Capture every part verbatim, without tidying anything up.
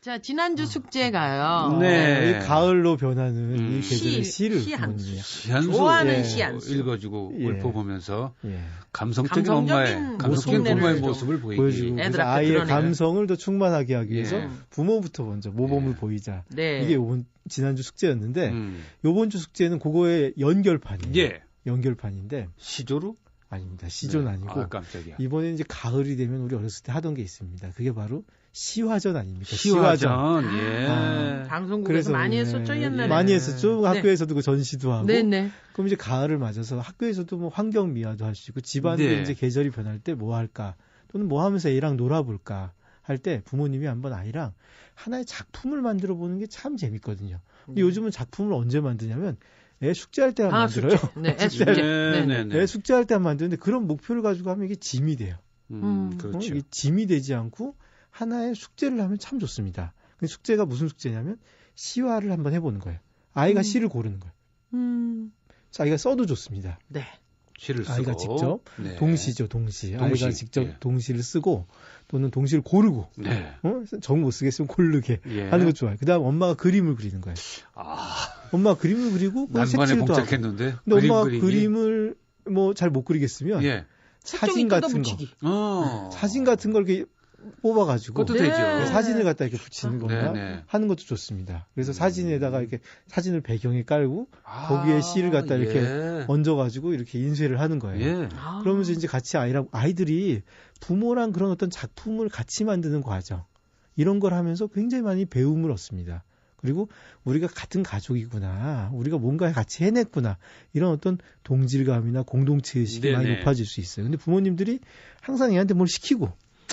자, 지난주 숙제가요. 네. 이 가을로 변하는 음. 이 계절의 시, 시를 시 한 부모님이 시 한 수 좋아하는 예. 시 한 수. 읽어주고 예. 읊어보면서 예. 감성적인, 감성적인 엄마의 감성적인 모습을 부모의 좀 모습을 보이기. 보여주고 그래서 애들한테 아이의 드러내는. 감성을 더 충만하게 하기 위해서 예. 부모부터 먼저 모범을 예. 보이자. 네. 이게 요번 지난주 숙제였는데 음. 요번 주 숙제는 그거의 연결판이에요. 예. 연결판인데 시조로? 아닙니다. 시조는 네. 아니고 아, 깜짝이야. 이번에 이제 가을이 되면 우리 어렸을 때 하던 게 있습니다. 그게 바로 시화전 아닙니까? 시화전. 예. 아, 방송국에서 많이 네, 했었죠, 옛날에. 많이 했었죠. 네. 학교에서도 그 전시도 하고. 네네. 그럼 이제 가을을 맞아서 학교에서도 뭐 환경 미화도 할 수 있고 집안도 네. 이제 계절이 변할 때 뭐 할까 또는 뭐 하면서 애랑 놀아볼까 할 때 부모님이 한번 아이랑 하나의 작품을 만들어 보는 게 참 재밌거든요. 근데 음. 요즘은 작품을 언제 만드냐면 애 숙제할 때만 아, 만들어요. 숙제. 네, 애 숙제할 숙제. 네, 네. 네, 네. 애 숙제할 때만 만드는데 그런 목표를 가지고 하면 이게 짐이 돼요. 음, 음. 그렇죠. 어, 이게 짐이 되지 않고 하나의 숙제를 하면 참 좋습니다. 근데 숙제가 무슨 숙제냐면 시화를 한번 해보는 거예요. 아이가 음. 시를 고르는 거예요. 음. 자기가 써도 좋습니다. 네. 시를 쓰고. 아이가 직접 네. 동시죠, 동시. 동시, 아이가 직접 예. 동시를 쓰고 또는 동시를 고르고 네. 어? 정 못 쓰겠으면 고르게 예. 하는 거 좋아요. 그다음 엄마가 그림을 그리는 거예요. 아, 엄마가 그림을 그리고 그걸 난관에 색칠도 하고. 봉착했는데. 근데 그림 엄마가 그리기. 그림을 뭐 잘 못 그리겠으면 예. 사진 같은 거, 어. 사진 같은 걸 이렇게 뽑아가지고 그것도 네. 되죠. 사진을 갖다 이렇게 붙이는 네, 건가 네. 하는 것도 좋습니다. 그래서 음. 사진에다가 이렇게 사진을 배경에 깔고 아, 거기에 시를 갖다 이렇게 예. 얹어가지고 이렇게 인쇄를 하는 거예요. 예. 아. 그러면서 이제 같이 아이랑 아이들이 부모랑 그런 어떤 작품을 같이 만드는 과정 이런 걸 하면서 굉장히 많이 배움을 얻습니다. 그리고 우리가 같은 가족이구나, 우리가 뭔가 같이 해냈구나 이런 어떤 동질감이나 공동체 의식이 많이 네네. 높아질 수 있어요. 근데 부모님들이 항상 애한테 뭘 시키고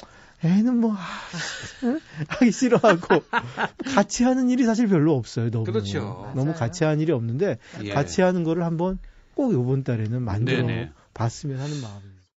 애는 뭐 아, 응? 하기 싫어하고 같이 하는 일이 사실 별로 없어요. 너무 그렇죠. 너무 맞아요. 같이 하는 일이 없는데 예. 같이 하는 거를 한번 꼭 이번 달에는 만들어 네네. 봤으면 하는 마음입니다.